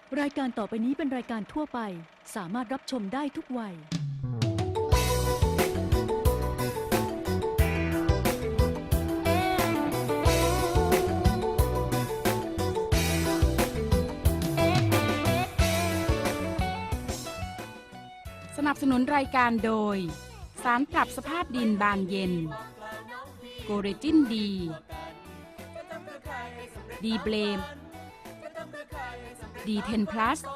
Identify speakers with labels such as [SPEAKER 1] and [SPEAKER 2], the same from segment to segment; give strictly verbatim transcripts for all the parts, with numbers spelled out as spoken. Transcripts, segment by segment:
[SPEAKER 1] รายการต่อไปนี้เป็นรายการทั่วไปสามารถรับชมได้ทุกวัย
[SPEAKER 2] สนับสนุนรายการโดยสารปรับสภาพดินบานเย็นโกเรจินดีดีเบลมดีเทนพลัส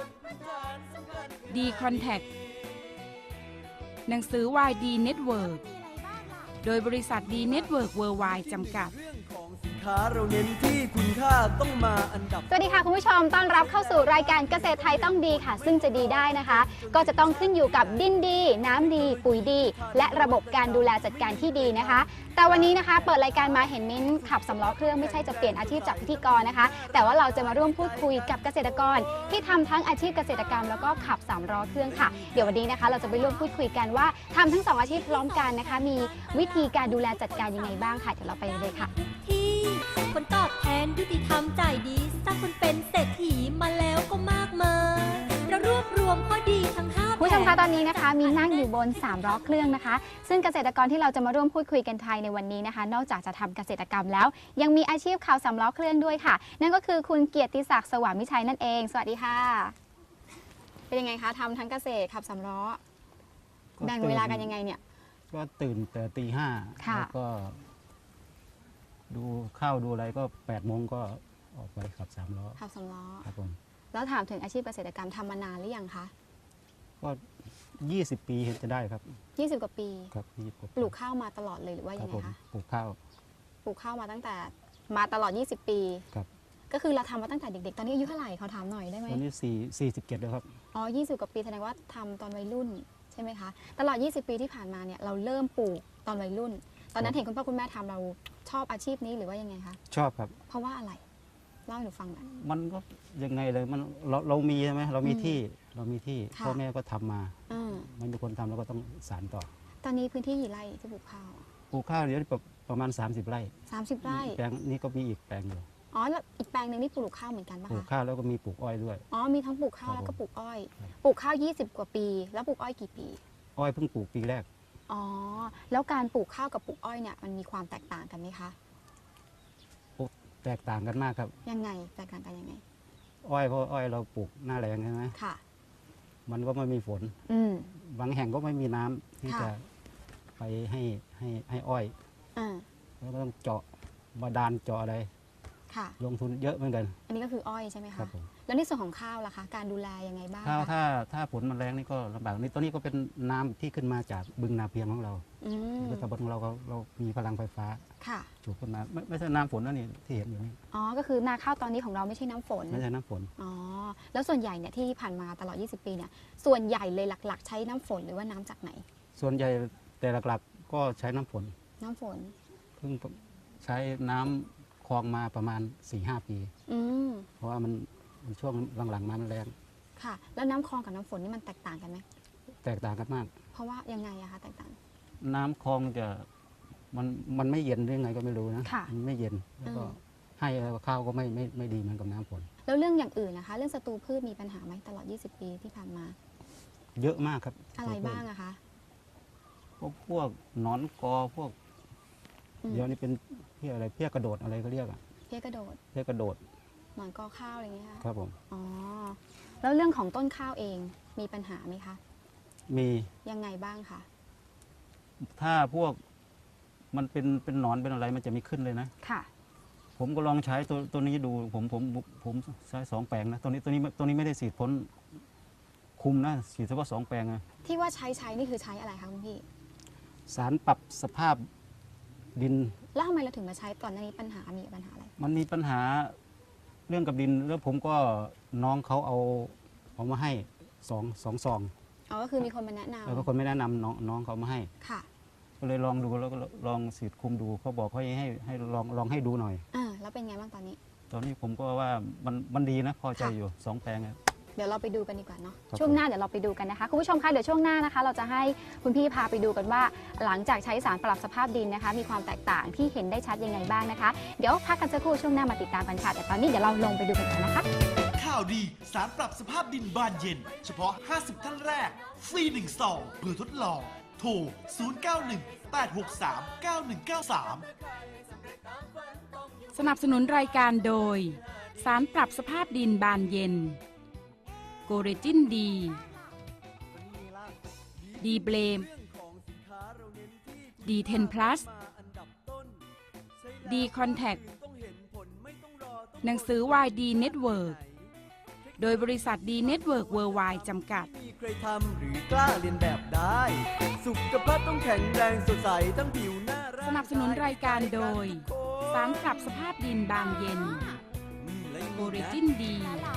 [SPEAKER 2] ดีคอนแทคหนังสือวายดีเน็ตเวิร์กโดยบริษัทดีเน็ตเวิร์กเวิร์ลไวด์จำกัด
[SPEAKER 3] สินค้าเราเน้นที่คุณค่าต้องมาอันดับ
[SPEAKER 4] สวัสดีค่ะคุณผู้ชมต้อนรับเข้าสู่รายการเกษตรไทยต้องดีค่ะซึ่งจะดีได้นะคะ ก็จะต้องขึ้นอยู่กับดินดีน้ำดีปุ๋ยดีและระบบการดูแลจัดการที่ดีนะคะแต่วันนี้นะคะเปิดรายการมาเห็นมิ้นขับสำล้อเครื่องไม่ใช่จะเปลี่ยนอาชีพจากพิธีกรนะคะแต่ว่าเราจะมาร่วมพูดคุยกับเกษตรกรที่ทำทั้งอาชีพเกษตรกรรมแล้วก็ขับสามล้อเครื่องค่ะเดี๋ยววันนี้นะคะเราจะไปร่วมพูดคุยกันว่าทำทั้งสองอาชีพพร้อมกันนะคะมีวิธีการดูแลจัดการยังไงบ้างค่ะเดี๋ยวเราไปเลยค่ะ
[SPEAKER 5] คนตอบแทนยุติธรรมใจดีสร้างคนเป็นเศรษฐีมาแล้วก็มากมายเรารวบรวมข้อดีทั้งห้า
[SPEAKER 4] ผู้ชมคะตอนนี้นะคะมีนั่งอยู่บนสามล้อเครื่องนะคะซึ่งเกษตรกรที่เราจะมาร่วมพูดคุยกันไทยในวันนี้นะคะนอกจากจะทำเกษตรกรรมแล้วยังมีอาชีพขับสามล้อเครื่องด้วยค่ะนั่นก็คือคุณเกียรติศักดิ์สว่างมิชัยนั่นเองสวัสดีค่ะเป็นยังไงคะทำทั้งเกษตรขับสามล้อแบ่งเวลากันยังไงเนี่ย
[SPEAKER 6] ก็ตื่นแต่ตีห้าแล้วก็ดูข้าวดูอะไรก็แปดโมงก็ออกไปขับสามล้อ
[SPEAKER 4] ขับสามล้อ
[SPEAKER 6] ครับผม
[SPEAKER 4] แล้วถามถึงอาชีพเกษตรกรรมทำมานานหรือยังคะ
[SPEAKER 6] ก็ยี่สิบปีจะได้ครับ
[SPEAKER 4] ยี่สิบกว่าปี
[SPEAKER 6] ครับยี่สิบกว่า
[SPEAKER 4] ปลูกข้าวมาตลอดเลยหรือว่ายังไงคะ
[SPEAKER 6] ปลูกข้าว
[SPEAKER 4] ปลูกข้าวมาตั้งแต่มาตลอดยี่สิบปี
[SPEAKER 6] ครับ
[SPEAKER 4] ก็คือเราทำมาตั้งแต่เด็กๆตอนนี้อายุเท่าไหร่เขาถามหน่อยได้ไหม
[SPEAKER 6] ตอนนี้สี่สี่สิบเจ็ดแล้วครับ
[SPEAKER 4] อ๋อยี่สิบกว่าปีแสดงว่าทำตอนวัยรุ่นใช่ไหมคะตลอดยี่สิบปีที่ผ่านมาเนี่ยเราเริ่มปลูกตอนวัยรุ่นตอนนั้นเห็นคุณพ่อคุณแม่ทำเราชอบอาชีพนี้หรือว่ายังไงคะ
[SPEAKER 6] ชอบครับ
[SPEAKER 4] เพราะว่าอะไรเล่าให้หนูฟังหน่อย
[SPEAKER 6] มันก็ยังไงเลยมันเราเรามีใช่ไหมเรามีที่เรามีที่พ่อแม่ก็ทำมามันมีคนทำเราก็ต้องสานต่อ
[SPEAKER 4] ตอนนี้พื้นที่กี่ไร่ที่ปลูกข้าว
[SPEAKER 6] ปลูกข้าวเดี๋ยวประมาณสามสิบไร่
[SPEAKER 4] สามสิบไร่
[SPEAKER 6] แปลงนี้ก็มีอีกแปลงอยู่
[SPEAKER 4] อ๋อแล้วอีกแปลงหนึ่งนี่ปลูกข้าวเหมือนกันป่ะคะ
[SPEAKER 6] ปลูกข้าวแล้วก็มีปลูกอ้อยด้วย
[SPEAKER 4] อ๋อมีทั้งปลูกข้าวแล้วก็ปลูกอ้อยปลูกข้าวยี่สิบกว่าปีแล้วปลูกอ้อยกี่ปี
[SPEAKER 6] อ้อยเพิ่งปลูกปีแรก
[SPEAKER 4] อ๋อแล้วการปลูกข้าวกับปลูกอ้อยเนี่ยมันมีความแตกต่างกันไหมคะ
[SPEAKER 6] แตกต่างกันมากครับ
[SPEAKER 4] ยังไงแตกต่างกันยังไง
[SPEAKER 6] อ้อยเพราะอ้อยเราปลูกหน้าแรงใช่ไหม
[SPEAKER 4] ค่ะ
[SPEAKER 6] มันก็ไม่มีฝน
[SPEAKER 4] อืม
[SPEAKER 6] บางแห่งก็ไม่มีน้ำที่จะไปให้ให้ให้อ้อย
[SPEAKER 4] อ่า
[SPEAKER 6] แล้วก็ต้องเจาะบาดาลเจาะอะไร
[SPEAKER 4] ค่ะ
[SPEAKER 6] ลงทุนเยอะเหมือนกัน
[SPEAKER 4] อันนี้ก็คืออ้อยใช่ไหมคะ
[SPEAKER 6] ครับผม
[SPEAKER 4] แล้วในส่วนของข้าวล่ะคะการดูแลยังไงบ้าง
[SPEAKER 6] ข้าวถ้าถ้าฝนมันแรงนี่ก็ลำบากนี่ตอนนี้ก็เป็นน้ำที่ขึ้นมาจากบึงนาเพียงของเราในตำบลของเราเรามีพลังไฟฟ้า
[SPEAKER 4] ค่ะ
[SPEAKER 6] สูบขึ้นมาไม่ไม่ใช่น้ำฝนนะนี่ที่เห็นอยู่นี่
[SPEAKER 4] อ๋อก็คือนาข้าวตอนนี้ของเราไม่ใช่น้ำฝน
[SPEAKER 6] ไม่ใช่น้ำฝน
[SPEAKER 4] อ๋อแล้วส่วนใหญ่เนี่ยที่ผ่านมาตลอดยี่สิบปีเนี่ยส่วนใหญ่เลยหลักๆใช้น้ำฝนหรือว่าน้ำจากไหน
[SPEAKER 6] ส่วนใหญ่แต่หลักๆก็ใช้น้ำฝน
[SPEAKER 4] น้ำฝน
[SPEAKER 6] เพิ่งใช้น้ำคลองมาประมาณ สี่ห้า ปีเพราะว่ามันช่วงหลังๆมามันแรง
[SPEAKER 4] ค่ะแล้วน้ำคลองกับน้ำฝนนี่มันแตกต่างกันไหม
[SPEAKER 6] แตกต่างกันมาก
[SPEAKER 4] เพราะว่ายังไงอะคะแตกต่าง
[SPEAKER 6] น้ำคลองจะมันมันไม่เย็นหรือไงก็ไม่รู้นะมันไม่เย็นแล้วก็ให้ข้าวก็ไม่ไม่ไม่ดีเหมือนกับน้ำฝน
[SPEAKER 4] แล้วเรื่องอย่างอื่นนะคะเรื่องศัตรูพืชมีปัญหาไหมตลอดยี่สิบปีที่ผ่านมา
[SPEAKER 6] เยอะมากครับ
[SPEAKER 4] อะไรบ้างอะคะ
[SPEAKER 6] พวกพวกหนอนกอพวกเดี๋ยวนี้เป็นเพี้ยอะไรเพี้ยกระโดดอะไรก็เรียกอะ
[SPEAKER 4] เพี้ยกระโดด
[SPEAKER 6] เพี้ยกระโดด
[SPEAKER 4] หนอนกอข้าวอะไรอย่างเงี้ย
[SPEAKER 6] ครับผม
[SPEAKER 4] อ๋อแล้วเรื่องของต้นข้าวเองมีปัญหาไหมคะ
[SPEAKER 6] มี
[SPEAKER 4] ยังไงบ้างคะ
[SPEAKER 6] ถ้าพวกมันเป็นเป็นหนอนเป็นอะไรมันจะไม่ขึ้นเลยนะ
[SPEAKER 4] ค่ะ
[SPEAKER 6] ผมก็ลองใช้ตัวตัวนี้ดูผมผมผมใช้สองแปลงนะตัวนี้ตัวนี้ตัวนี้ไม่ได้ฉีดพ่นคุมนะฉีดเฉพาะสองแปลงนะ
[SPEAKER 4] ที่ว่าใช้ใช้นี่คือใช้อะไรคะคุณพี่
[SPEAKER 6] สารปรับสภาพดิน
[SPEAKER 4] แล้วทำไมเราถึงมาใช้ตอนนี้ปัญหามีปัญหาอะไร
[SPEAKER 6] มันมีปัญหาเรื่องกับดินแล้วผมก็น้องเขาเอาเอามาให้สองสองซอง
[SPEAKER 4] อ๋อก็คือมีคนมาแนะนำ
[SPEAKER 6] แล้วก็คนไม่แนะนำน้องน้องเขามาให้
[SPEAKER 4] ค่ะ
[SPEAKER 6] ก็เลยลองดูแล้วก็ลองฉีดคุมดูเขาบอกเขาให้ให้ลองลองให้ดูหน่อย
[SPEAKER 4] อ่าแล้วเป็นไงบ้างตอนนี้
[SPEAKER 6] ตอนนี้ผมก็ว่ามันมันดีนะพอใจอยู่สองแปลง
[SPEAKER 4] เดี๋ยวเราไปดูกันดีกว่าเนาะช่วงหน้าเดี๋ยวเราไปดูกันนะคะคุณผู้ชมคะเดี๋ยวช่วงหน้านะคะเราจะให้คุณพี่พาไปดูกันว่าหลังจากใช้สารปรับสภาพดินนะคะมีความแตกต่างที่เห็นได้ชัดยังไงบ้างนะคะเดี๋ยวพักกันสักครู่ช่วงหน้ามาติดตามกันค่ะแต่ตอนนี้เดี๋ยวเราลงไปดูกันก่อนนะคะ
[SPEAKER 7] ข่าวดีสารปรับสภาพดินบานเย็น เฉพาะ ห้าสิบ ท่านแรก ฟรี หนึ่ง ซองเพื่อทดลอง โทร ศูนย์ เก้า หนึ่ง แปด หก สาม เก้า หนึ่ง เก้า สาม
[SPEAKER 2] สนับสนุนรายการโดย สารปรับสภาพดินบานเย็น โกเรจินดี ดีเบลม ดีเทนพลัส ดีคอนแทค หนังสือวายดีเน็ตเวิร์ก โดยบริษัทดีเน็ตเวิร์กเวิร์ไวด์จำกัด
[SPEAKER 3] มีใครทำหรือกล้าเรียนแบบได้ สุขภาพต้องแข็งแรงสดใสทั้งผิวหน้าร่าง
[SPEAKER 2] สนับสนุนรายการโดย สารปรับสภาพดินบานเย็น
[SPEAKER 3] อืมและยัง
[SPEAKER 2] โก
[SPEAKER 3] มี
[SPEAKER 2] เร
[SPEAKER 3] นะ
[SPEAKER 2] จินดี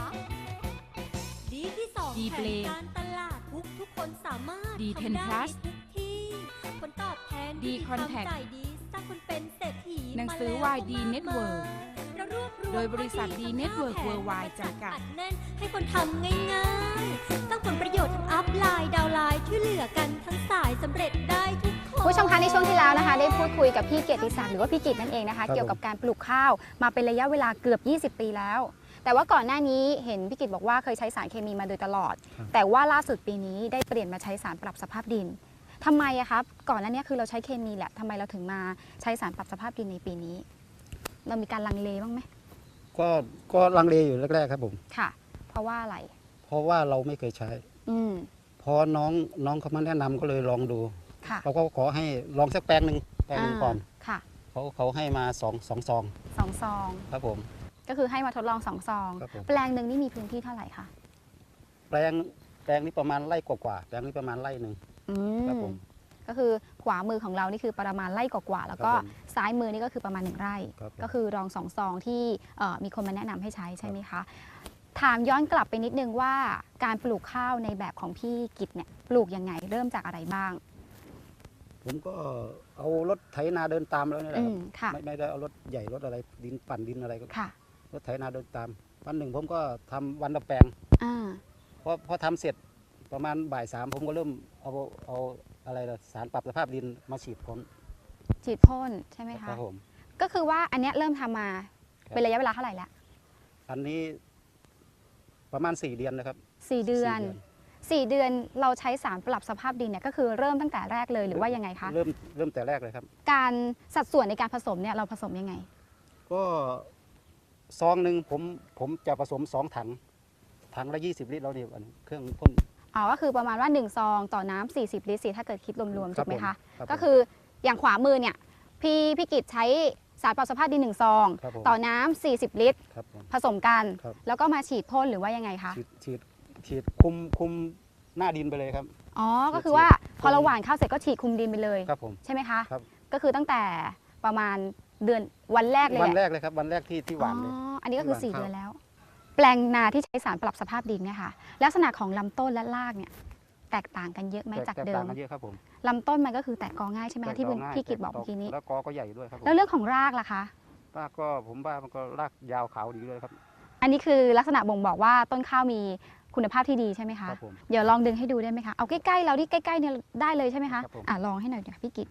[SPEAKER 5] ดีที่สอง
[SPEAKER 2] ดี
[SPEAKER 5] แผ
[SPEAKER 2] เบล
[SPEAKER 5] น
[SPEAKER 2] ม
[SPEAKER 5] การตลาดทุกทุกคนสามารถ
[SPEAKER 2] ดี
[SPEAKER 5] ทำ
[SPEAKER 2] เทน
[SPEAKER 5] ได้
[SPEAKER 2] พลัส
[SPEAKER 5] ทุกที่ผลตอบแทน
[SPEAKER 2] ดี
[SPEAKER 5] ยุติธรรม
[SPEAKER 2] คอนแทค
[SPEAKER 5] จ่ายดีสร้างคนเป็นเศรษฐี
[SPEAKER 2] หนังสือ
[SPEAKER 5] ม
[SPEAKER 2] วาย
[SPEAKER 5] แล้
[SPEAKER 2] ดี
[SPEAKER 5] ก็มาก
[SPEAKER 2] เน็ตเวิร์ก
[SPEAKER 5] มายเรารวบรวม
[SPEAKER 2] โดยบริษัท
[SPEAKER 5] ข้อ
[SPEAKER 2] ดี
[SPEAKER 5] ทั้ง
[SPEAKER 2] เน็ตเวิร์ก
[SPEAKER 5] ห้า
[SPEAKER 2] เวิร์ไวด์
[SPEAKER 5] แผน
[SPEAKER 2] จำกัด
[SPEAKER 5] อัดแน่นให้คนทำง่ายๆตั้งผลประโยชน์ทั้งอัพไลน์ดาวน์ไลน์ช่วยเหลือกันทั้งสายสำเร็จได้ทุกคน
[SPEAKER 4] คุณผู้ชมคะในช่วงที่แล้วนะคะ ได้พูดคุยกับพี่เกียรติศักดิ์หรือว่าพี่กิตนั่นเองนะคะ
[SPEAKER 6] ครับ
[SPEAKER 4] เกี่ยวกับการปลูกข้าวมาเป็นระยะเวลาเกือบ ยี่สิบ ปีแล้ว แต่ว่าก่อนหน้านี้เห็นพี่กิตบอกว่าเคยใช้สารเคมีมาโดยตลอด แต่ว่าล่าสุดปีนี้ได้เปลี่ยนมาใช้สารปรับสภาพดินทำไมอะครับก่อนหน้านี้คือเราใช้เคมีแหละทำไมเราถึงมาใช้สารปรับสภาพดินในปีนี้ เรามีการลังเลบ้างไหม
[SPEAKER 6] ก็ก็ลังเลอยู่แรกๆครับผม
[SPEAKER 4] ค่ะ เพราะว่าอะไร
[SPEAKER 6] เพราะว่าเราไม่เคยใช้
[SPEAKER 4] อืม
[SPEAKER 6] พอน้องน้องเขามาแนะนำก็เลยลองดู
[SPEAKER 4] ค่ะ
[SPEAKER 6] เราก็ขอให้ลองสักแปลงหนึ่งแปลงหนึ่งก่อน
[SPEAKER 4] าค่ะ
[SPEAKER 6] เขาเขาให้มาสองสองซอง
[SPEAKER 4] สองซอง
[SPEAKER 6] ครับผม
[SPEAKER 4] ก็คือให้มาทดลองสองซอง
[SPEAKER 6] ครับผม
[SPEAKER 4] แปลงหนึ่งนี่มีพื้นที่เท่าไหร่คะ
[SPEAKER 6] แปลงแปลงนี้ประมาณไร่กว่าๆแปลงนี้ประมาณไร่หนึ่ง
[SPEAKER 4] อื
[SPEAKER 6] ครับ
[SPEAKER 4] ม
[SPEAKER 6] ผม
[SPEAKER 4] ก็คือขวามือของเรานี่คือประมาณไร่กว่าๆแล้วก็
[SPEAKER 6] ครับผม
[SPEAKER 4] ซ้ายมือนี่ก็คือประมาณหนึ่งไร่
[SPEAKER 6] ครับผม
[SPEAKER 4] ก็คือรองสองซองที่เอ่อมีคนมาแนะนำให้ใช้ใช่ไหมคะ ถามย้อนกลับไปนิดนึงว่าการปลูกข้าวในแบบของพี่กิตเนี่ยปลูกยังไงเริ่มจากอะไรบ้าง
[SPEAKER 6] ผมก็เอารถไถนาเดินตามแล้วนี่แหละ
[SPEAKER 4] อื
[SPEAKER 6] ครับ
[SPEAKER 4] มค่ะ
[SPEAKER 6] ไม่ไม่ได้เอารถใหญ่รถอะไรดินปั่นดินอะไรก็
[SPEAKER 4] ค่ะ
[SPEAKER 6] รถไถนาเดินตาม วันหนึ่งผมก็ทำวันละแปลง
[SPEAKER 4] อ่า
[SPEAKER 6] พอพอทำเสร็จประมาณบ่ายสามผมก็เริ่มเอาเอาอะไรล่ะสารปรับสภาพดินมาฉีดพ่น
[SPEAKER 4] ฉีดพ่นใช่ไหม
[SPEAKER 6] ค
[SPEAKER 4] คะ
[SPEAKER 6] รับผม
[SPEAKER 4] ก็คือว่าอันเนี้ยเริ่มทำมา
[SPEAKER 6] ครับ
[SPEAKER 4] เป็นระยะเวลาเท่าไหร่ละ
[SPEAKER 6] อันนี้ประมาณสี่เดือนนะครับ
[SPEAKER 4] สี่เดือน
[SPEAKER 6] สี่
[SPEAKER 4] สี่เดือนเราใช้สารปรับสภาพดินเนี่ยก็คือเริ่มตั้งแต่แรกเลยหรือว่ายังไงคะ
[SPEAKER 6] เริ่มเริ่มแต่แรกเลยครับ
[SPEAKER 4] การสัดส่วนในการผสมเนี่ยเราผสมยังไง
[SPEAKER 6] ก็ซองหนึ่งผมผมจะผสมสองถัง ถังละยี่สิบลิตรแล้วเนี่ยอันเครื่องพ่น
[SPEAKER 4] อ๋อ ก็คือประมาณว่าหนึ่งซองต่อน้ำสี่สิบลิตรสิถ้าเกิดคิดรวมๆ
[SPEAKER 6] ครั
[SPEAKER 4] ถู
[SPEAKER 6] บ
[SPEAKER 4] กไหมคะ
[SPEAKER 6] ผมครับผม
[SPEAKER 4] ก็คืออย่างขวามือเนี่ยพี่พี่กิจใช้สารปรับสภาพดินหนึ่งซอง
[SPEAKER 6] ครับผม
[SPEAKER 4] ต่อน้ำสี่สิบลิตร
[SPEAKER 6] ครับผม
[SPEAKER 4] ผสมกัน
[SPEAKER 6] ครับ
[SPEAKER 4] แล้วก็มาฉีดพ่นหรือว่ายังไงคะ
[SPEAKER 6] ฉีดฉีดฉีดคุมคุมหน้าดินไปเลยครับ
[SPEAKER 4] อ๋อ ก็คือ
[SPEAKER 6] ฉีด
[SPEAKER 4] ว่าพอ
[SPEAKER 6] คุม
[SPEAKER 4] เราหว่านข้าวเสร็จก็ฉีดคลุมดินไปเลย
[SPEAKER 6] ครับผม
[SPEAKER 4] ใช่ไหมคะ
[SPEAKER 6] ครับ
[SPEAKER 4] ก็คือตั้งแต่ประมาณเดือนวันแรกเลย
[SPEAKER 6] วัน
[SPEAKER 4] แห
[SPEAKER 6] แร
[SPEAKER 4] ละ
[SPEAKER 6] กเลยครับวันแรกที่ที่หวานเลย
[SPEAKER 4] อ๋อ อันนี้ก็คือ
[SPEAKER 6] ที่
[SPEAKER 4] สี่
[SPEAKER 6] หว่าน
[SPEAKER 4] เดือน
[SPEAKER 6] ข้าว
[SPEAKER 4] แล้ว แปลงนาที่ใช้สารปรับสภาพดินเนี่ยค่ะ ลักษณะของลำต้นและรากเนี่ยแตกต่างกันเยอะไหม
[SPEAKER 6] แต
[SPEAKER 4] จาก
[SPEAKER 6] แตก
[SPEAKER 4] เดิ
[SPEAKER 6] ต่าม งกันเยอะครับผม
[SPEAKER 4] ลำต้นมันก็คือแตกกอง่ายใช่ไหมคะที่
[SPEAKER 6] แต
[SPEAKER 4] คุณ
[SPEAKER 6] ง่าย
[SPEAKER 4] พี่กิตบอก
[SPEAKER 6] แต
[SPEAKER 4] เมื่อกี้นี้
[SPEAKER 6] แล้วกอก็ใหญ่ด้วยครับผม
[SPEAKER 4] แล้วเรื่องของรากล่ะคะ
[SPEAKER 6] รากก็ผมว่ามันก็รากยาวขาวดีเลยครับ
[SPEAKER 4] อันนี้คือลักษณะบ่งบอกว่าต้นข้าวมีคุณภาพที่ดีใช่ไหมคะ
[SPEAKER 6] ครับผม
[SPEAKER 4] เดี๋ยวลองดึงให้ดูได้ไหมคะ เอาใกล้ๆเราที่ใกล้ๆเนี่ยได้เลยใช่ไหมคะ
[SPEAKER 6] ครับผม
[SPEAKER 4] อ่ะลองให้หน่อยเดี๋ยวพี่กิต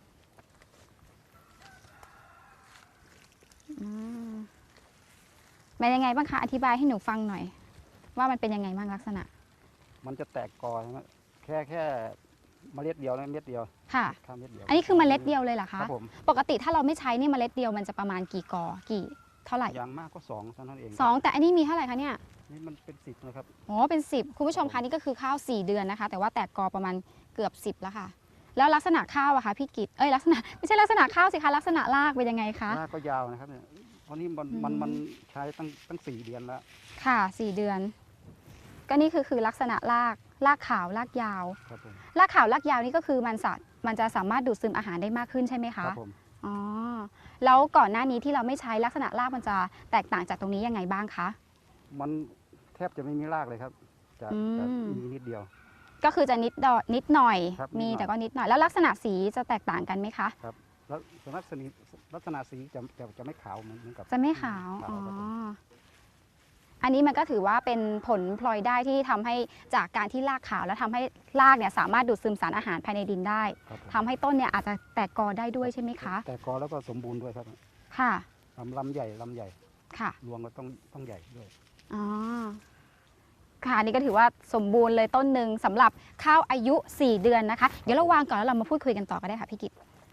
[SPEAKER 4] อืมเป็นยังไงบ้างคะ อธิบายให้หนูฟังหน่อย ว่ามันเป็นยังไงบ้างลักษณะ
[SPEAKER 6] มันจะแตกกอนะแค่แค่เมล็ดเดียวนะเม็ดเดียว
[SPEAKER 4] ค่ะ
[SPEAKER 6] ข้ามเม็ดเดียว
[SPEAKER 4] อันนี้คือเมล็ดเดียวเลยเหรอ
[SPEAKER 6] ค
[SPEAKER 4] คะ
[SPEAKER 6] รับผม
[SPEAKER 4] ปกติถ้าเราไม่ใช้นี่เมล็ดเดียวมันจะประมาณกี่กอ กี่เท่าไหร่
[SPEAKER 6] อย่างมากก็สองเท่านั้นเอง
[SPEAKER 4] สองแต่อันนี้มีเท่าไหร่คะเนี่ย
[SPEAKER 6] นี่มันเป็นสิบนะครับ
[SPEAKER 4] อ๋อ เป็นสิบคุณผู้ชมคะนี่ก็คือข้าวสี่เดือนนะคะ แต่ว่าแตกกอประมาณเกือบสิบแล้วค่ะ แล้วลักษณะข้าวอะคะพี่กิตเอ้ยลักษณะไม่ใช่ลักษณะข้าวสิคะลักษณะรากเป็นยังไงคะ
[SPEAKER 6] รากก็ยาวนะครับเนี่ยเพราะนี่มัน
[SPEAKER 4] อืม
[SPEAKER 6] มันมันใช้ตั้งตั้งสี่เดือนแล้ว
[SPEAKER 4] ค่ะสี่เดือน ก็นี่คือคือลักษณะรากรากขาวรากยาว
[SPEAKER 6] ครับผม
[SPEAKER 4] รากขาวรากยาวนี่ก็คือมันสะมันจะสามารถดูดซึมอาหารได้มากขึ้นใช่ไหม
[SPEAKER 6] ค
[SPEAKER 4] คะ
[SPEAKER 6] รับผม
[SPEAKER 4] อ๋อแล้วก่อนหน้านี้ที่เราไม่ใช้ลักษณะรากมันจะแตกต่างจากตรงนี้ยังไงบ้างคะ
[SPEAKER 6] มันแทบจะไม่มีรากเลยครับ จะ
[SPEAKER 4] อืม
[SPEAKER 6] จะมีนิดเดียว
[SPEAKER 4] ก็คือจะนิดดอนิดหน่อย
[SPEAKER 6] ครับ
[SPEAKER 4] มี
[SPEAKER 6] นิดหน่อย
[SPEAKER 4] แต่ก็นิดหน่อย แล้วลักษณะสีจะแตกต่างกันไหมคะ
[SPEAKER 6] แล้วลักษณะลักษณะสีจะจะจะไม่ขาวเหมือนเหมือนกับ
[SPEAKER 4] จะไม่ขาว อ๋อ
[SPEAKER 6] ครับผม
[SPEAKER 4] อันนี้มันก็ถือว่าเป็นผลพลอยได้ที่ทำให้จากการที่รากขาวแล้วทำให้รากเนี่ยสามารถดูดซึมสารอาหารภายในดินได้
[SPEAKER 6] ครับผม
[SPEAKER 4] ทำให้ต้นเนี่ยอาจจะแตกกอได้ด้วยใช่ไหมคะ
[SPEAKER 6] แต่กอแล้วก็สมบูรณ์ด้วยครับ
[SPEAKER 4] ค่ะ
[SPEAKER 6] ลำลำใหญ่ลำใหญ่
[SPEAKER 4] ค่ะ
[SPEAKER 6] รวงก็ต้องต้องใหญ่ด้วย
[SPEAKER 4] อ๋อค่ะอันนี่ก็ถือว่าสมบูรณ์เลยต้นหนึ่งสำหรับข้าวอายุ สี่ เดือนนะคะ เดี๋ยวเราวางก่อนแล้วเรามาพูดคุยกันต่อก็ได้ค่ะพี่กิต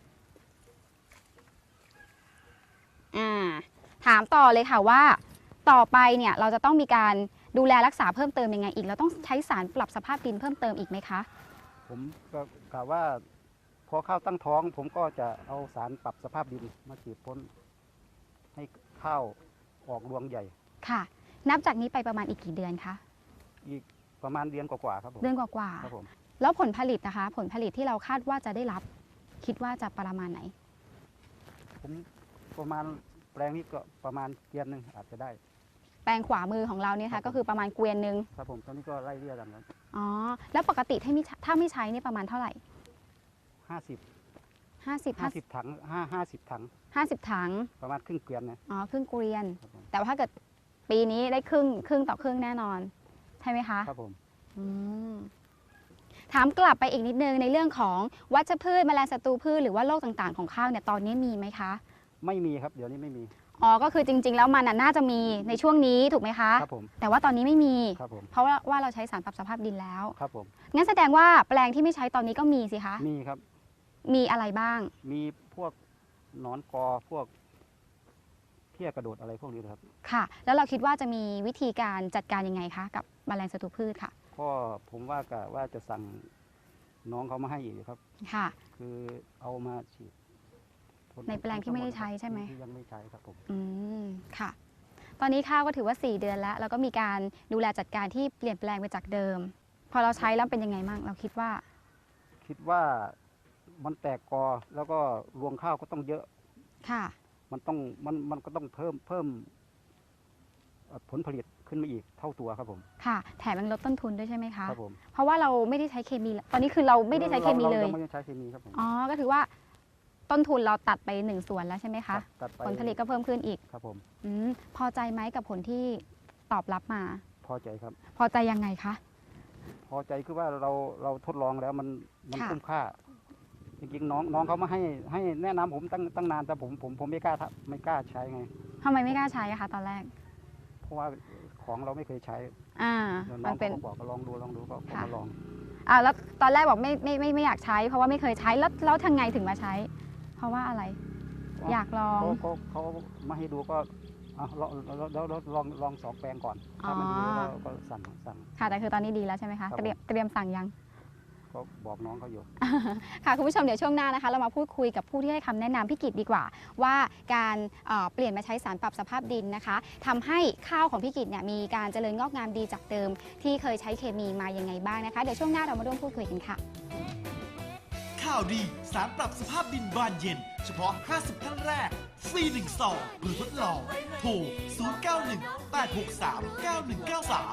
[SPEAKER 4] อ่าถามต่อเลยค่ะว่าต่อไปเนี่ยเราจะต้องมีการดูแลรักษาเพิ่มเติมยังไงอีกเราต้องใช้สารปรับสภาพดินเพิ่มเติมอีกไหมคะ
[SPEAKER 6] ผมก็กล่าวว่าพอข้าวตั้งท้อง ผมก็จะเอาสารปรับสภาพดินมาฉีดพ่นให้ข้าวออกรวงใหญ่
[SPEAKER 4] ค่ะ นับจากนี้ไปประมาณอีกกี่เดือนคะ
[SPEAKER 6] อีกประมาณเดือนกว่าๆครับผม
[SPEAKER 4] เดือนกว่า
[SPEAKER 6] ครับผม
[SPEAKER 4] ๆแล้วผลผลิตนะคะ ผลผลิตที่เราคาดว่าจะได้รับ คิดว่าจะประมาณไหน
[SPEAKER 6] ผมประมาณแปลงนี้ก็ประมาณเดือนหนึ่งอาจจะได้
[SPEAKER 4] แปลงขวามือของเราเนี่ย
[SPEAKER 6] ครั
[SPEAKER 4] ค่ะ
[SPEAKER 6] บผม
[SPEAKER 4] ก็คือประมาณเกวียนหนึ่ง
[SPEAKER 6] ครับผมตอนนี้ก็ไล่เรียกกันครับ
[SPEAKER 4] อ๋อแล้วปกติถ้าไม่ถ้าไม่ใช้เนี่ยประมาณเท่าไหร่
[SPEAKER 6] ห้าสิบ
[SPEAKER 4] ห้าสิบ
[SPEAKER 6] ห้าสิบถังห้าห้าสิบถัง
[SPEAKER 4] ห้าสิบถัง
[SPEAKER 6] ประมาณครึ่งเกวียนนะ
[SPEAKER 4] อ๋อครึ่งเกวียน
[SPEAKER 6] ครับผม
[SPEAKER 4] แต่ว่าถ้าเกิดปีนี้ได้ครึ่งครึ่งต่อครึ่งแน่นอน ใช่ไหมคะ
[SPEAKER 6] ครับผม
[SPEAKER 4] อืมถามกลับไปอีกนิดนึงในเรื่องของวัชพืชแมลงศัตรูพืชหรือว่าโรคต่างๆของข้าวเนี่ยตอนนี้มีไหมคะ
[SPEAKER 6] ไม่มีครับเดี๋ยวนี้ไม่มี
[SPEAKER 4] อ๋อก็คือจริง ๆ แล้วมันน่ะน่าจะมีในช่วงนี้ถูกไหมคะ
[SPEAKER 6] ครับผม
[SPEAKER 4] แต่ว่าตอนนี้ไม่มี
[SPEAKER 6] ครับผม
[SPEAKER 4] เพราะว่าว่าเราใช้สารปรับสภาพดินแล้ว
[SPEAKER 6] ครับผม
[SPEAKER 4] งั้นแสดงว่าแปลงที่ไม่ใช้ตอนนี้ก็มีสิคะ
[SPEAKER 6] มีครับ
[SPEAKER 4] มีอะไรบ้าง
[SPEAKER 6] มีพวกหนอนกอพวกเพี้ยกระโดดอะไรพวกนี้นะครับ
[SPEAKER 4] ค่ะ แล้วเราคิดว่าจะมีวิธีการจัดการยังไงคะกับแมลงศัตรูพืชค่ะ
[SPEAKER 6] ก็ผมว่ากะว่าจะสั่งน้องเขามาให้อีกครับ
[SPEAKER 4] ค่ะ
[SPEAKER 6] คือเอามาฉีดพ่
[SPEAKER 4] ในแปลงที่ไม่ได้ใช้ใช่ไหม
[SPEAKER 6] ที่ยังไม่ใช้ครับผม
[SPEAKER 4] อืมค่ะ ตอนนี้ข้าวก็ถือว่า สี่ เดือนแล้ว แล้วก็มีการดูแลจัดการที่เปลี่ยนแปลงไปจากเดิม พอเราใช้แล้วเป็นยังไงบ้างเราคิดว่า
[SPEAKER 6] คิดว่ามันแตกกอแล้วก็รวงข้าวก็ต้องเยอะ
[SPEAKER 4] ค่ะ
[SPEAKER 6] มันต้องมันมันก็ต้องเพิ่มเพิ่มเอ่อผลผลิตขึ้นมาอีกเท่าตัวครับผม
[SPEAKER 4] ค่ะ แถมยังลดต้นทุนด้วยใช่ไหมคะ
[SPEAKER 6] ครับผม
[SPEAKER 4] เพราะว่าเราไม่ได้ใช้เคมีแล้วตอนนี้คือเราไม่ได้ใช้เคมีเลย
[SPEAKER 6] ราราไม่ได้ใช้เคมีครับผม
[SPEAKER 4] อ๋อ ก็ถือว่าต้นทุนเราตัดไปหนึ่งส่วนแล้วใช่ไหม
[SPEAKER 6] ครั
[SPEAKER 4] คะ
[SPEAKER 6] บตัดไป
[SPEAKER 4] ผลผลิตก็เพิ่มขึ้นอีก
[SPEAKER 6] ครับผม
[SPEAKER 4] อมพอใจไหมกับผลที่ตอบรับมา
[SPEAKER 6] พอใจครับ
[SPEAKER 4] พอใจยังไงคะ
[SPEAKER 6] พอใจคือว่าเราเราทดลองแล้วมันมัน
[SPEAKER 4] ค่ะ
[SPEAKER 6] คุ้มค่า จริงๆน้องน้องเขามาให้ให้แนะนำผมตั้งตั้งนานแต่ผมผมผมไม่กล้าทำไม่กล้าใช้ไง
[SPEAKER 4] ทำไมไม่กล้าใช้อะคะตอนแรก
[SPEAKER 6] เพราะว่าของเราไม่เคยใช้
[SPEAKER 4] อ่า
[SPEAKER 6] แล้วน้
[SPEAKER 4] มั
[SPEAKER 6] อน ง
[SPEAKER 4] เป็น
[SPEAKER 6] เขาก็บอกก็ลองดูลองดูก็ก็
[SPEAKER 4] ค่ะ
[SPEAKER 6] มาลอง
[SPEAKER 4] อ่าแล้วตอนแรกบอกไม่ไม่ไม่ไม่อยากใช้ เพราะว่าไม่เคยใช้แล้วแล้วทางไงถึงมาใช้ เพราะว่าอะไร อยากลอง
[SPEAKER 6] เขาเขาเขามาให้ดูก็อ่ะลองลองลองลองลองลองสองแปลงก่อน ถ้ามันดี
[SPEAKER 4] อ๋อ
[SPEAKER 6] แล้วก็สั่งสั่ง
[SPEAKER 4] ค่ะแต่คือตอนนี้ดีแล้วใช่ไหมคะ
[SPEAKER 6] ครับ
[SPEAKER 4] เตรียมเตรียมสั่งยัง
[SPEAKER 6] ก็บอกน้องเขาอยู่
[SPEAKER 4] ค่ะคุณผู้ชมเดี๋ยวช่วงหน้านะคะ เรามาพูดคุยกับผู้ที่ให้คำแนะนำพี่กิตดีกว่า ว่าการเอ่อเปลี่ยนมาใช้สารปรับสภาพดินนะคะทำให้ข้าวของพี่กิตเนี่ยมีการเจริญงอกงามดีจากเดิม ที่เคยใช้เคมีมายังไงบ้างนะคะเดี๋ยวช่วงหน้าเรามาร่วมพูดคุยกันค่ะ
[SPEAKER 7] ข่าวดีสารปรับสภาพดินบานเย็น เฉพาะ ห้าสิบ ท่านแรก ฟรีหนึ่งซองเพื่อทดลอง โทร ศูนย์ เก้า หนึ่ง แปด หก สาม เก้า หนึ่ง เก้า สาม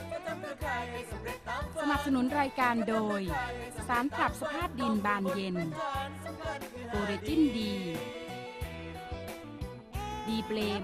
[SPEAKER 2] สนับสนุนรายการโดย สารปรับสภาพดินบานเย็นโอเรจินดี ดีเบลม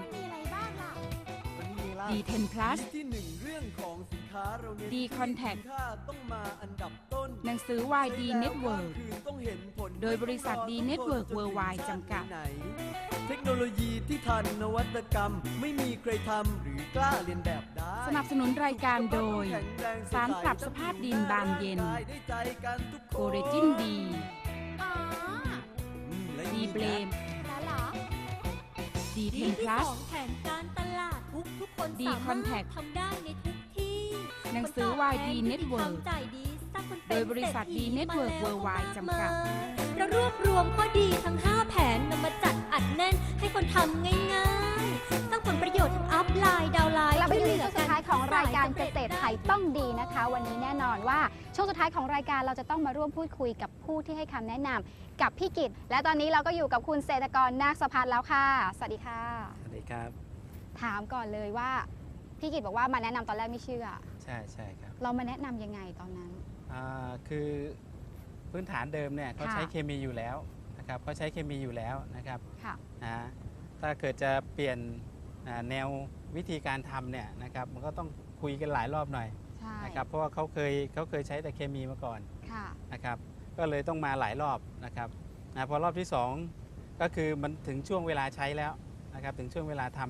[SPEAKER 2] ดีเทนพลัส
[SPEAKER 3] ที่หนึ่งเรื่องของสินค้าเราเน้น
[SPEAKER 2] ดีคอนแทค
[SPEAKER 3] สินค้าต้องมาอันดับต้น
[SPEAKER 2] หนังสือ วาย ดี Network
[SPEAKER 3] คืนต้องเห็นผล
[SPEAKER 2] โดยบริษัท ดี Network Worldwide จำกัด
[SPEAKER 3] ไหนเทคโนโลยีที่ทันนวัตกรรม ไม่มีใครทำหรือกล้าเรียนแบบได้
[SPEAKER 2] สนับสนุนรายการโดย สารปรับสภาพดินบานเย็น
[SPEAKER 3] ได้ใจกันทุกคน
[SPEAKER 2] โอเรจินดี
[SPEAKER 5] อ๋อ
[SPEAKER 3] อืมและ
[SPEAKER 2] ดีเบลม
[SPEAKER 5] แล้วเหรอ
[SPEAKER 2] ดีเท
[SPEAKER 5] ดี
[SPEAKER 2] นพ
[SPEAKER 5] ที่
[SPEAKER 2] ลั
[SPEAKER 5] ส
[SPEAKER 2] ส
[SPEAKER 5] องแผนการตลาดทุกทุกคน
[SPEAKER 2] ดี
[SPEAKER 5] สามารถ
[SPEAKER 2] Contact
[SPEAKER 5] ทำได้ในทุกที่
[SPEAKER 2] หนังสือ วาย ดี Network
[SPEAKER 5] จ่ายดีสร้างคนเป็น
[SPEAKER 2] โดยบริษัท ดี
[SPEAKER 5] เศรษฐี
[SPEAKER 2] Network
[SPEAKER 5] มาแล้ว
[SPEAKER 2] Worldwide จำกัด
[SPEAKER 5] เรารวบรวมข้อดีทั้ง ห้า แผนนำมาจัดอัดแน่นให้คนทำง่ายๆสร้างผลประโยชน์ทั้งอัพไลน์ดาวน์ไลน์
[SPEAKER 4] กลับไป
[SPEAKER 5] ช่วย
[SPEAKER 4] ที่
[SPEAKER 5] เหลื
[SPEAKER 4] ช่
[SPEAKER 5] อ
[SPEAKER 4] วงสุ
[SPEAKER 5] กั
[SPEAKER 4] ด
[SPEAKER 5] น
[SPEAKER 4] ท้ายของรายการ
[SPEAKER 5] ส
[SPEAKER 4] เก
[SPEAKER 5] สำ
[SPEAKER 4] ษ
[SPEAKER 5] ร็จ
[SPEAKER 4] ตรไทยต้องดีนะคะ วันนี้แน่นอนว่าช่วงสุดท้ายของรายการเราจะต้องมาร่วมพูดคุยกับผู้ที่ให้คำแนะนำกับพี่กิตและตอนนี้เราก็อยู่กับคุณเศรษฐกรนาคสะพัดแล้วค่ะ สวัสดีค่ะ
[SPEAKER 8] สวัสดีครับ
[SPEAKER 4] ถามก่อนเลยว่าพี่กิตบอกว่ามาแนะนำตอนแรกไม่เชื่อ
[SPEAKER 8] ใช่ใช่ครับ
[SPEAKER 4] เรามาแนะนำยังไงตอนนั้น
[SPEAKER 8] อ่าคือพื้นฐานเดิมเนี่ยเขา
[SPEAKER 4] ค่ะ
[SPEAKER 8] ใช้เคมีอยู่แล้วนะครับเขาใช้เคมีอยู่แล้วนะครับ
[SPEAKER 4] ค่ะ
[SPEAKER 8] นะถ้าเกิดจะเปลี่ยนอ่าแนววิธีการทำเนี่ยนะครับมันก็ต้องคุยกันหลายรอบหน่อย
[SPEAKER 4] ใช่
[SPEAKER 8] นะครับเพราะว่าเขาเคยเขาเคยใช้แต่เคมีมาก่อน
[SPEAKER 4] ค่ะ
[SPEAKER 8] นะครับก็เลยต้องมาหลายรอบนะครับนะพอรอบที่สองก็คือมันถึงช่วงเวลาใช้แล้วนะครับถึงช่วงเวลาทำ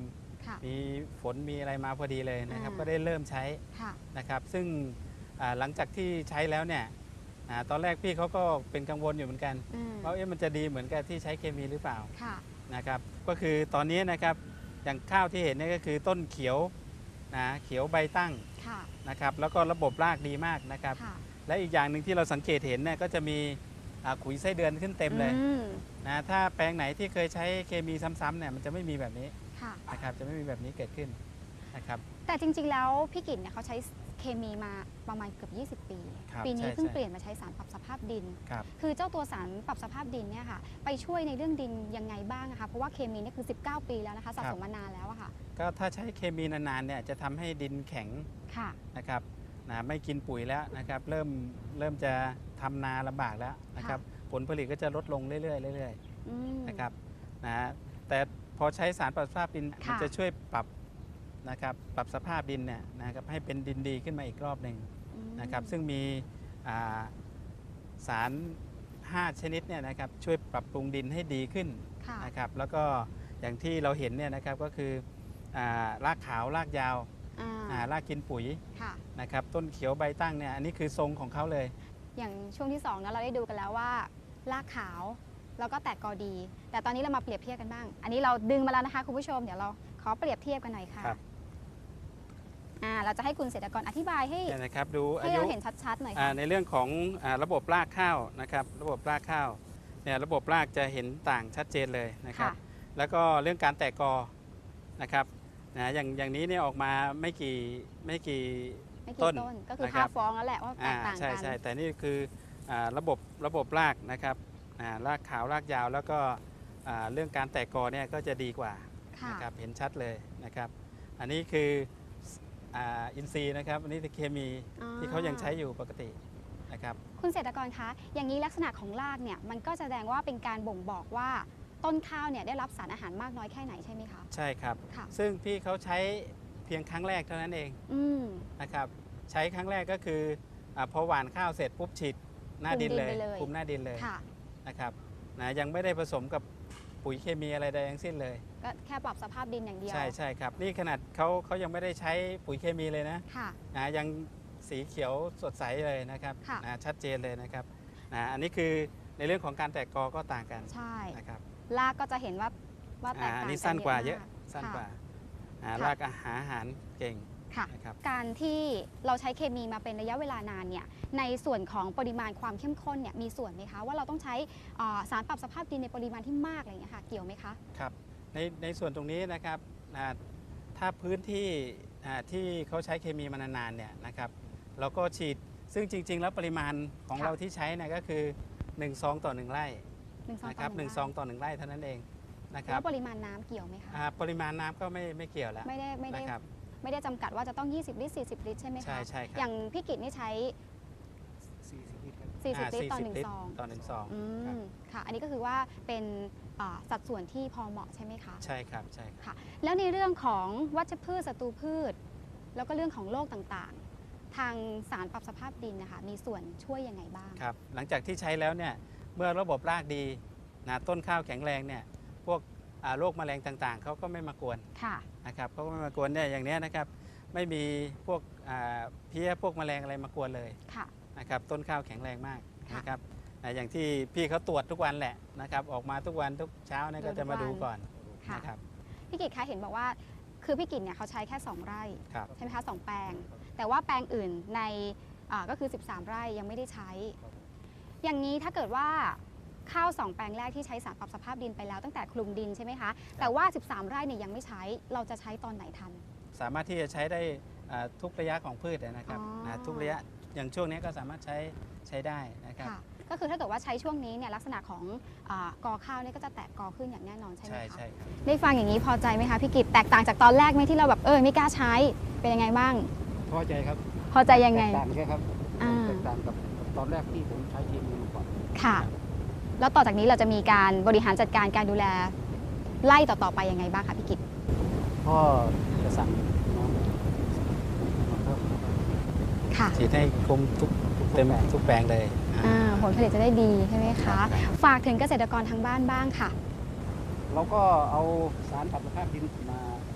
[SPEAKER 4] ค่ะ
[SPEAKER 8] มีฝนมีอะไรมาพอดีเลยนะครับ
[SPEAKER 4] อ่า
[SPEAKER 8] ก็ได้เริ่มใช้
[SPEAKER 4] ค่ะ
[SPEAKER 8] นะครับ ซึ่งอ่าหลังจากที่ใช้แล้วเนี่ยอ่าตอนแรกพี่เขาก็เป็นกังวลอยู่เหมือนกัน
[SPEAKER 4] อืม
[SPEAKER 8] ว่าเอ๊ะมันจะดีเหมือนกับที่ใช้เคมีหรือเปล่า
[SPEAKER 4] ค่ะ
[SPEAKER 8] นะครับ ก็คือตอนนี้นะครับอย่างข้าวที่เห็นเนี่ยก็คือต้นเขียวนะเขียวใบตั้ง
[SPEAKER 4] ค่ะ
[SPEAKER 8] นะครับ แล้วก็ระบบรากดีมากนะครับ
[SPEAKER 4] ค่ะ
[SPEAKER 8] และอีกอย่างหนึ่งที่เราสังเกตเห็นเนี่ยก็จะมีอ่าขุยไส้เดือนขึ้นเต็มเลย
[SPEAKER 4] อืม
[SPEAKER 8] นะถ้าแปลงไหนที่เคยใช้เคมีซ้ำๆเนี่ยมันจะไม่มีแบบนี้
[SPEAKER 4] ค่ะ
[SPEAKER 8] นะครับจะไม่มีแบบนี้เกิดขึ้นนะครับ
[SPEAKER 4] แต่จริงๆ แล้วพี่กิตเนี่ยเขาใช้เคมีมาประมาณเกือบยี่สิบ ปี
[SPEAKER 8] ครับ
[SPEAKER 4] ปีนี้
[SPEAKER 8] ใช่
[SPEAKER 4] เพิ่ง
[SPEAKER 8] ใช่
[SPEAKER 4] เปลี่ยนมาใช้สารปรับสภาพดิน
[SPEAKER 8] ครับ
[SPEAKER 4] คือเจ้าตัวสารปรับสภาพดินเนี่ยค่ะ ไปช่วยในเรื่องดินยังไงบ้างนะคะ เพราะว่าเคมีเนี่ยคือ สิบเก้า ปีแล้วนะคะสะสมมานานแล้วอะค่ะ
[SPEAKER 8] ก็ถ้าใช้เคมีนานๆเนี่ยจะทำให้ดินแข็ง
[SPEAKER 4] ค่ะ
[SPEAKER 8] นะครับนะไม่กินปุ๋ยแล้วนะครับเริ่มเริ่มจะทำนาลำบากแล้วนะครับผลผลิตก็จะลดลงเรื่อยๆเรื่อย
[SPEAKER 4] อืม
[SPEAKER 8] ๆนะครับนะแต่พอใช้สารปรับสภาพดิน
[SPEAKER 4] ค่ะ
[SPEAKER 8] มันจะช่วยปรับนะครับปรับสภาพดินเนี่ยนะครับให้เป็นดินดีขึ้นมาอีกรอบหนึ่ง
[SPEAKER 4] อืม
[SPEAKER 8] นะครับซึ่งมีอ่าสารห้าชนิดเนี่ยนะครับช่วยปรับปรุงดินให้ดีขึ้น
[SPEAKER 4] ค่ะ
[SPEAKER 8] นะครับแล้วก็อย่างที่เราเห็นเนี่ยนะครับก็คืออารากขาวรากยาว
[SPEAKER 4] อ่า
[SPEAKER 8] อ่ารากกินปุ๋ย
[SPEAKER 4] ค่ะ
[SPEAKER 8] นะครับต้นเขียวใบตั้งเนี่ยอันนี้คือทรงของเขาเลย
[SPEAKER 4] อย่างช่วงที่สองนะเราได้ดูกันแล้วว่ารากขาวแล้วก็แตกกอดี แต่ตอนนี้เรามาเปรียบเทียบกันบ้าง อันนี้เราดึงมาแล้วนะคะคุณผู้ชมเดี๋ยวเราขอเปรียบเทียบกันหน่อยค่ะ
[SPEAKER 8] ครับ
[SPEAKER 4] อ่าเราจะให้คุณเศรษฐกรอธิบายให้
[SPEAKER 8] เนี่ยนะครับดูอา
[SPEAKER 4] ให้
[SPEAKER 8] ยุ
[SPEAKER 4] เราเห็นชัดๆหน่อย
[SPEAKER 8] อ่า
[SPEAKER 4] ค่ะ
[SPEAKER 8] ในเรื่องของอาระบบรากข้าวนะครับระบบรากข้าวเนี่ยระบบรากจะเห็นต่างชัดเจนเลยนะครับ
[SPEAKER 4] ค่ะ
[SPEAKER 8] แล้วก็เรื่องการแตกกอนะครับนะอย่างอย่างนี้เนี่ยออกมาไม่กี่ไม่กี่
[SPEAKER 4] ไม่กี่
[SPEAKER 8] ต้
[SPEAKER 4] ต้
[SPEAKER 8] น
[SPEAKER 4] นก็คือ
[SPEAKER 8] นะครับ
[SPEAKER 4] ค่าฟ้องแล้วแหละว่าแต
[SPEAKER 8] อ่าก
[SPEAKER 4] ต่าง
[SPEAKER 8] ใช่
[SPEAKER 4] กัน
[SPEAKER 8] ใช่แต่นี่คืออาระบบระบบรากนะครับอ่ารากขาวรากยาวแล้วก็อ่าเรื่องการแตกกอเนี่ยก็จะดีกว่า
[SPEAKER 4] ค่ะ
[SPEAKER 8] นะครับเห็นชัดเลยนะครับอันนี้คืออ่าอินทรีย์นะครับอันนี้คือเคมี
[SPEAKER 4] อ๋อ
[SPEAKER 8] ที่เขายังใช้อยู่ปกตินะครับ
[SPEAKER 4] คุณเศรษฐกรคะอย่างนี้ลักษณะของรากเนี่ยมันก็แสดงว่าเป็นการบ่งบอกว่าต้นข้าวเนี่ยได้รับสารอาหารมากน้อยแค่ไหนใช่ไหมคะ
[SPEAKER 8] ใช่ครับ
[SPEAKER 4] ค่ะ
[SPEAKER 8] ซึ่งพี่เขาใช้เพียงครั้งแรกเท่านั้นเอง
[SPEAKER 4] อืม
[SPEAKER 8] นะครับใช้ครั้งแรกก็คืออาพอหว่านข้าวเสร็จปุ๊บฉีดหน้าดินเลย
[SPEAKER 4] คลุมดินไปเลย
[SPEAKER 8] คลุมหน้าดินเลย
[SPEAKER 4] ค่ะ
[SPEAKER 8] นะครับนะยังไม่ได้ผสมกับปุ๋ยเคมีอะไรใดทั้งสิ้นเลย
[SPEAKER 4] ก็แค่ปรับสภาพดินอย่างเดียว
[SPEAKER 8] ใช่ใช่ครับนี่ขนาดเขาเขายังไม่ได้ใช้ปุ๋ยเคมีเลยนะ
[SPEAKER 4] ค่ะ
[SPEAKER 8] นะยังสีเขียวสดใสเลยนะครับ
[SPEAKER 4] ค่ะ
[SPEAKER 8] นะชัดเจนเลยนะครับนะอันนี้คือในเรื่องของการแตกกอก็ต่างกัน
[SPEAKER 4] ใช่
[SPEAKER 8] นะครับ
[SPEAKER 4] รากก็จะเห็นว่าว่าแต
[SPEAKER 8] อ่าก
[SPEAKER 4] ต่าง
[SPEAKER 8] อัน
[SPEAKER 4] กั
[SPEAKER 8] นี้สั้นกว่าเยอะ
[SPEAKER 4] ม
[SPEAKER 8] สั้นกว่า
[SPEAKER 4] ค่ะ
[SPEAKER 8] อ่า
[SPEAKER 4] ค่ะ
[SPEAKER 8] รากอาหารอาหารเก่ง
[SPEAKER 4] ค่ะ
[SPEAKER 8] นะครับ
[SPEAKER 4] การที่เราใช้เคมีมาเป็นระยะเวลานานเนี่ยในส่วนของปริมาณความเข้มข้นเนี่ยมีส่วนไหมคะว่าเราต้องใช้อ่าสารปรับสภาพดินในปริมาณที่มากอะไรอย่างเงี้ยค่ะเกี่ยวไหมคะ
[SPEAKER 8] ครับในในส่วนตรงนี้นะครับอ่าถ้าพื้นที่อ่าที่เขาใช้เคมีมานานๆเนี่ยนะครับเราก็ฉีดซึ่งจริง ๆ แล้วปริมาณของ
[SPEAKER 4] ค่ะ
[SPEAKER 8] เราที่ใช้เนี่ยก็คือหนึ่งซองต่อหนึ่งไร่
[SPEAKER 4] หนึ่งซอง
[SPEAKER 8] นะครับหนึ่งซองต่อหนึ่งไร่เท่านั้นเองนะค
[SPEAKER 4] แล้
[SPEAKER 8] รับ
[SPEAKER 4] วปริมาณน้ำเกี่ยวไหมคะ
[SPEAKER 8] อ่าปริมาณน้ำก็ไม่ไม่เกี่ยวแล้ว
[SPEAKER 4] ไม่ได้ไม่ได้
[SPEAKER 8] นะครับ
[SPEAKER 4] ไม่ได้จำกัดว่าจะต้อง ยี่สิบ ลิตร สี่สิบ ลิตรใช่ไหมคะ
[SPEAKER 8] ใช่ใช่ครับ
[SPEAKER 4] อย่างพี่กิตนี่ใช้
[SPEAKER 6] สี่สิบลิตรครับ
[SPEAKER 4] สี่สิบ
[SPEAKER 8] อ่า
[SPEAKER 4] ลิตรต่อหนึ่ง
[SPEAKER 8] ลิตร
[SPEAKER 4] ซอง
[SPEAKER 8] ต่อหนึ่งซอง
[SPEAKER 4] อื
[SPEAKER 8] ครับ
[SPEAKER 4] มค่ะ อันนี้ก็คือว่าเป็นอ่าสัดส่วนที่พอเหมาะใช่ไหมคะ
[SPEAKER 8] ใช่ครับใช่ครับ
[SPEAKER 4] ค่ะ แล้วในเรื่องของวัชพืชศัตรูพืช แล้วก็เรื่องของโรคต่างๆ ทางสารปรับสภาพดินนะคะมีส่วนช่วยยังไงบ้าง
[SPEAKER 8] ครับหลังจากที่ใช้แล้วเนี่ยเมื่อระบบรากดีนะต้นข้าวแข็งแรงเนี่ยพวกอ่าโรคแมลงต่างๆเขาก็ไม่มากวน
[SPEAKER 4] ค่ะ
[SPEAKER 8] นะครับเขาก็ไม่มากวนเนี่ยอย่างเนี้ยนะครับไม่มีพวกอ่าเพี้ยพวกแมลงอะไรมากวนเลย
[SPEAKER 4] ค่ะ
[SPEAKER 8] นะครับต้นข้าวแข็งแรงมาก
[SPEAKER 4] ค่ะ
[SPEAKER 8] นะครับอ่าอย่างที่พี่เขาตรวจทุกวันแหละนะครับออกมาทุกวันทุกเช้าเนี่ยก็จะมาดูก่อน
[SPEAKER 4] ค่ะ
[SPEAKER 8] นะครับ
[SPEAKER 4] พี่กิตคะเห็นบอกว่าคือพี่กิตเนี่ยเขาใช้แค่สองไร่
[SPEAKER 8] ครับ
[SPEAKER 4] ใช่ไหมคะสองแปลง แต่ว่าแปลงอื่นในอ่าก็คือ สิบสาม ไร่ยังไม่ได้ใช้ อย่างนี้ถ้าเกิดว่าข้าวสองแปลงแรกที่ใช้สารปรับสภาพดินไปแล้วตั้งแต่คลุมดินใช่ไหมคะ แต่ว่า สิบสาม ไร่เนี่ยยังไม่ใช้เราจะใช้ตอนไหนทัน
[SPEAKER 8] สามารถที่จะใช้ได้อ่าทุกระยะของพืชนะครับ
[SPEAKER 4] อ๋อ
[SPEAKER 8] นะทุกระยะอย่างช่วงนี้ก็สามารถใช้ใช้ได้นะครับ
[SPEAKER 4] ค่ะ ก็คือถ้าเกิดว่าใช้ช่วงนี้เนี่ยลักษณะของอากอข้าวเนี่ยก็จะแตกกอขึ้นอย่างแน่นอนใช่ไหม
[SPEAKER 8] ใช่
[SPEAKER 4] คะ
[SPEAKER 8] ใช่ครับ
[SPEAKER 4] ได้ฟังอย่างนี้พอใจไหมคะพี่กิตแตกต่างจากตอนแรกไหมที่เราแบบเออไม่กล้าใช้เป็นยังไงบ้าง
[SPEAKER 6] พอใจครับ
[SPEAKER 4] พอใจยังไง
[SPEAKER 6] แตกต่างใช่ครับ
[SPEAKER 4] อ่า
[SPEAKER 6] แตกต่างกับตอนแรกที่ผมใช้เคมีมาก่อน
[SPEAKER 4] ค่ะ แล้วต่อจากนี้เราจะมีการบริหารจัดการการดูแลไล่ต่อๆไปยังไงบ้างคะพี่กิต
[SPEAKER 6] ก็จะสั่งน้องมาเพิ่ม
[SPEAKER 4] ค่ะ
[SPEAKER 8] ฉีดให้คลุมทุกเต็มทุกแปลงเลยอ่า
[SPEAKER 4] อ่าผลผลิตจะได้ดีใช่ไหม
[SPEAKER 8] ครั
[SPEAKER 4] คะ
[SPEAKER 8] บ
[SPEAKER 4] ฝากถึงเกษตรกรทางบ้านบ้างค่ะ
[SPEAKER 6] เราก็เอาสารปรับสภาพดินมามาใช้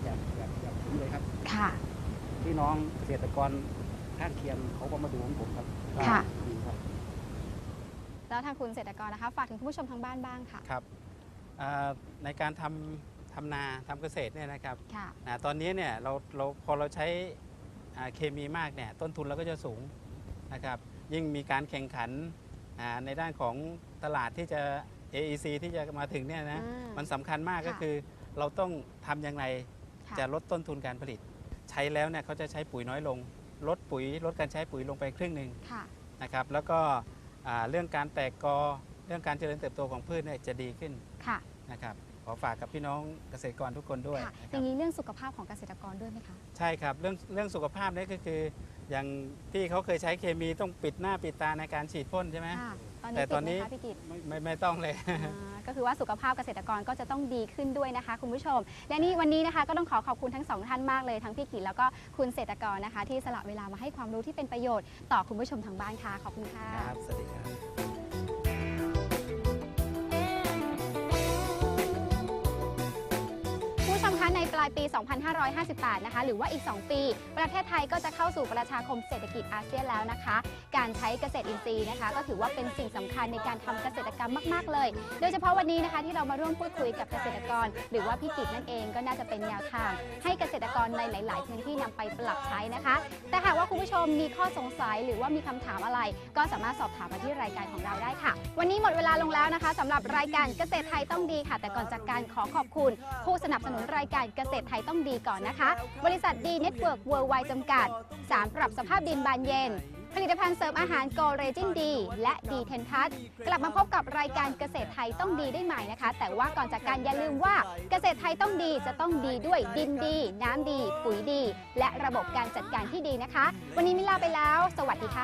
[SPEAKER 6] อย่างอย่างอย่างผมเลยครับ
[SPEAKER 4] ค่ะ
[SPEAKER 6] พี่น้องเกษตรกรข้างเคียงเขาก็มาดูของผมครับ
[SPEAKER 4] ค่ะ
[SPEAKER 6] ดีครับ
[SPEAKER 4] แล้วทางคุณเกษตรกรนะคะฝากถึงคุณผู้ชมทางบ้านบ้างค่ะ
[SPEAKER 8] ครับอ่าในการทำทำนาทำเกษตรเนี่ยนะครับ
[SPEAKER 4] ค่ะ
[SPEAKER 8] อ่าตอนนี้เนี่ยเราเราพอเราใช้อ่าเคมีมากเนี่ยต้นทุนเราก็จะสูงนะครับยิ่งมีการแข่งขันอ่าในด้านของตลาดที่จะ เอ อี ซี ที่จะมาถึงเนี่ยนะ
[SPEAKER 4] อืม
[SPEAKER 8] มันสำคัญมากก็
[SPEAKER 4] ค่ะ
[SPEAKER 8] คือเราต้องทำอย่างไร
[SPEAKER 4] ค่ะ
[SPEAKER 8] จะลดต้นทุนการผลิต ใช้แล้วเนี่ยเขาจะใช้ปุ๋ยน้อยลง ลดปุ๋ยลดการใช้ปุ๋ยลงไปครึ่งหนึ่ง
[SPEAKER 4] ค่ะ
[SPEAKER 8] นะครับแล้วก็อ่าเรื่องการแตกกอเรื่องการเจริญเติบโตของพืชเนี่ยจะดีขึ้น
[SPEAKER 4] ค่ะ
[SPEAKER 8] นะครับขอฝากกับพี่น้องเกษตรกรทุกคนด้วย
[SPEAKER 4] ค่ะ
[SPEAKER 8] นะ
[SPEAKER 4] อ
[SPEAKER 8] ครั
[SPEAKER 4] ย่า
[SPEAKER 8] บ
[SPEAKER 4] งนี้เรื่องสุขภาพของเกษตรกรด้วยไหมคะ
[SPEAKER 8] ใช่ครับเรื่องเรื่องสุขภาพเนี่ยก็คือ อย่างที่เขาเคยใช้เคมีต้องปิดหน้าปิดตาในการฉีดพ่นใช่ไหม
[SPEAKER 4] ค่ะ ตอน
[SPEAKER 8] แต่
[SPEAKER 4] นี้
[SPEAKER 8] ต
[SPEAKER 4] ติ
[SPEAKER 8] อ
[SPEAKER 4] ด
[SPEAKER 8] น
[SPEAKER 4] ไหม
[SPEAKER 8] นี้
[SPEAKER 4] คะพี่กิต
[SPEAKER 8] ไม่ไม่ไม่ต้องเลย
[SPEAKER 4] อ่าก็คือว่าสุขภาพเกษตรกรก็จะต้องดีขึ้นด้วยนะคะคุณผู้ชม และนี่วันนี้นะคะก็ต้องขอขอบคุณทั้งสองท่านมากเลยทั้งพี่กิตแล้วก็คุณเกษตรกรนะคะ ที่สละเวลามาให้ความรู้ที่เป็นประโยชน์ต่อคุณผู้ชมทางบ้านค่ะขอบคุณค่ะ
[SPEAKER 8] ครับสวัสดีครับ
[SPEAKER 4] ผู้ชมคะในปลายปี สองพันห้าร้อยห้าสิบแปด นะคะ หรือว่าอีก สอง ปี ประเทศไทยก็จะเข้าสู่ประชาคมเศรษฐกิจอาเซียนแล้วนะคะ การใช้เกษตรอินทรีย์นะคะ ก็ถือว่าเป็นสิ่งสำคัญในการทำเกษตรกรรมมาก ๆ เลย โดยเฉพาะวันนี้นะคะที่เรามาร่วมพูดคุยกับเกษตรกร หรือว่าพี่กิตนั่นเองก็น่าจะเป็นแนวทาง ให้เกษตรกรในหลาย ๆ พื้นที่นำไปปรับใช้นะคะ แต่หากว่าคุณผู้ชมมีข้อสงสัยหรือว่ามีคำถามอะไร ก็สามารถสอบถามมาที่รายการของเราได้ค่ะ วันนี้หมดเวลาลงแล้วนะคะสำหรับรายการเกษตรไทยต้องดีค่ะ แต่ก่อนจากการขอขอบคุณ ผู้สนับสนุนรายการเกษตรไทยต้องดีก่อนนะคะ บริษัทดีเน็ตเวิร์กเวิร์ไวจำกัด สารปรับสภาพดินบานเย็น ผลิตภัณฑ์เสริมอาหารโกเรจินดีและดีเทนทัสกลับมาพบกับรายการเกษตรไทยต้องดีได้ใหม่นะคะ แต่ว่าก่อนจากการอย่าลืมว่าเกษตรไทยต้องดีจะต้องดีด้วยดินดี น้ำดี ปุ๋ยดี และระบบการจัดการที่ดีนะคะ วันนี้มิลาไปแล้ว สวัสดีค่ะ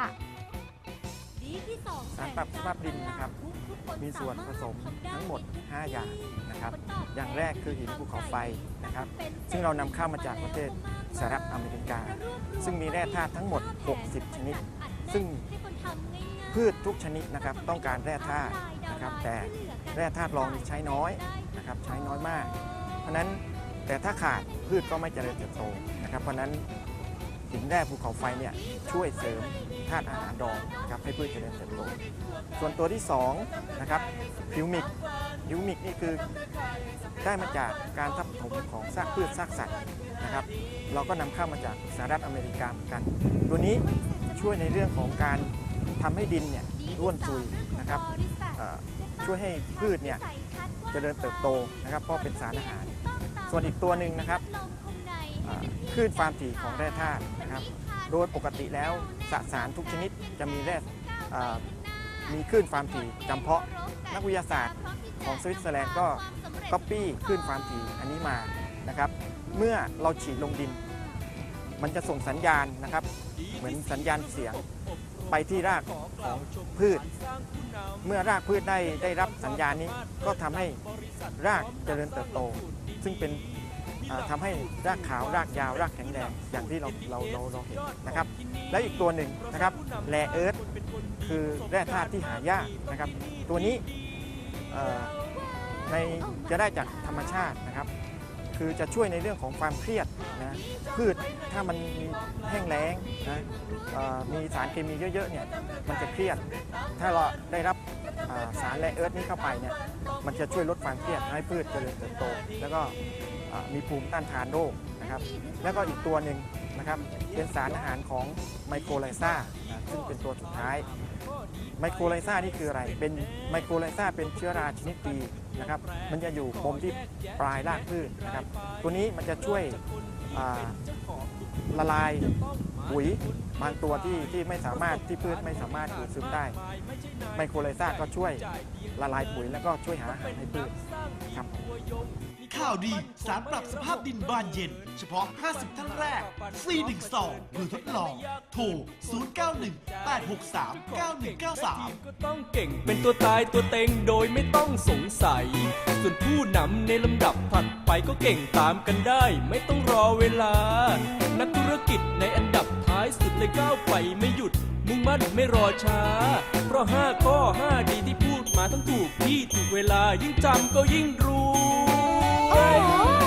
[SPEAKER 9] สารปรับสภาพดินนะครับมีส่วนผสมทั้งหมดห้าอย่างนะครับอย่างแรกคือหินภูเขาไฟนะครับซึ่งเรานำเข้ามาจากประเทศสหรัฐอเมริกาซึ่งมีแร่ธาตุทั้งหมดหกสิบชนิดซึ่งพืชทุกชนิดนะครับต้องการแร่ธาตุนะครับแต่แร่ธาตุรองใช้น้อยนะครับใช้น้อยมากเพราะนั้นแต่ถ้าขาดพืชก็ไม่เจริญเติบโตนะครับเพราะนั้นหินแร่ภูเขาไฟเนี่ยช่วยเสริมธาตุอาหารรองนะครับให้พืชเจริญเติบโตส่วนตัวที่สองนะครับฮิวมิกฮิวมิกนี่คือได้มาจากการทับถมของซากพืชซากสัตว์นะครับเราก็นำเข้ามาจากสหรัฐอเมริกาเหมือนกันตัวนี้ช่วยในเรื่องของการทำให้ดินเนี่ยร่วนซุยนะครับช่วยให้พืชเนี่ยเจริญเติบโตนะครับเพราะเป็นสารอาหารส่วนอีกตัวหนึ่งนะครับคลื่นความถี่ของแร่ธาตุนะครับโดยปกติแล้วสสารทุกชนิดจะมีแร่มีคลื่นความถี่จำเพาะนักวิทยาศาสตร์ของสวิตเซอร์แลนด์ก็ก๊อปปี้คลื่นความถี่อันนี้มานะครับเมื่อเราฉีดลงดินมันจะส่งสัญญาณนะครับเหมือนสัญญาณเสียงไปที่รากของพืชเมื่อรากพืชได้ได้รับสัญญาณนี้ก็ทำให้รากเจริญเติบโตซึ่งเป็นทำให้รากขาวรากยาวรากแข็งแรงอย่างที่เราเราเราเราเห็นนะครับและอีกตัวหนึ่งนะครับแร่เอิร์ธคือแร่ธาตุที่หายากนะครับตัวนี้ในจะได้จากธรรมชาตินะครับคือจะช่วยในเรื่องของความเครียดนะพืชถ้ามันมีแห้งแล้งนะมีสารเคมีเยอะๆเนี่ยมันจะเครียดถ้าเราได้รับสารแร่เอิร์ธนี้เข้าไปเนี่ยมันจะช่วยลดความเครียดให้พืชเจริญเติบโตแล้วก็มีภูมิต้านทานโรคนะครับแล้วก็อีกตัวหนึ่งนะครับเป็นสารอาหารของไมโครไลซ่าซึ่งเป็นตัวสุดท้ายไมโครไลซ่านี่คืออะไรเป็นไมโครไลซ่าเป็นเชื้อราชนิดดีนะครับมันจะอยู่ปมที่ปลายรากพืชนะครับตัวนี้มันจะช่วยละลายปุ๋ยบางตัวที่ที่ไม่สามารถที่พืชไม่สามารถดูดซึมได้ไมโครไลซ่าก็ช่วยละลายปุ๋ยแล้วก็ช่วยหาอาหารให้พืชครับ
[SPEAKER 7] ข่าวดีสารปรับสภาพดินบานเย็นเฉพาะห้าสิบท่านแรกฟรีหนึ่งซองเพื่อทดลองโทรศูนย์ เก้า หนึ่ง แปด หก สาม เก้า หนึ่ง เก้า สาม
[SPEAKER 10] ก็ต้องเก่งเป็นตัวตายตัวเต็งโดยไม่ต้องสงสัยส่วนผู้นำในลำดับถัดไปก็เก่งตามกันได้ไม่ต้องรอเวลานักธุรกิจในอันดับท้ายสุดเลยก้าวไปไม่หยุดมุ่งมั่นไม่รอช้าเพราะห้าข้อห้าดีที่พูดมาทั้งถูกที่ถูกเวลายิ่งจำก็ยิ่งรู้
[SPEAKER 4] โอ้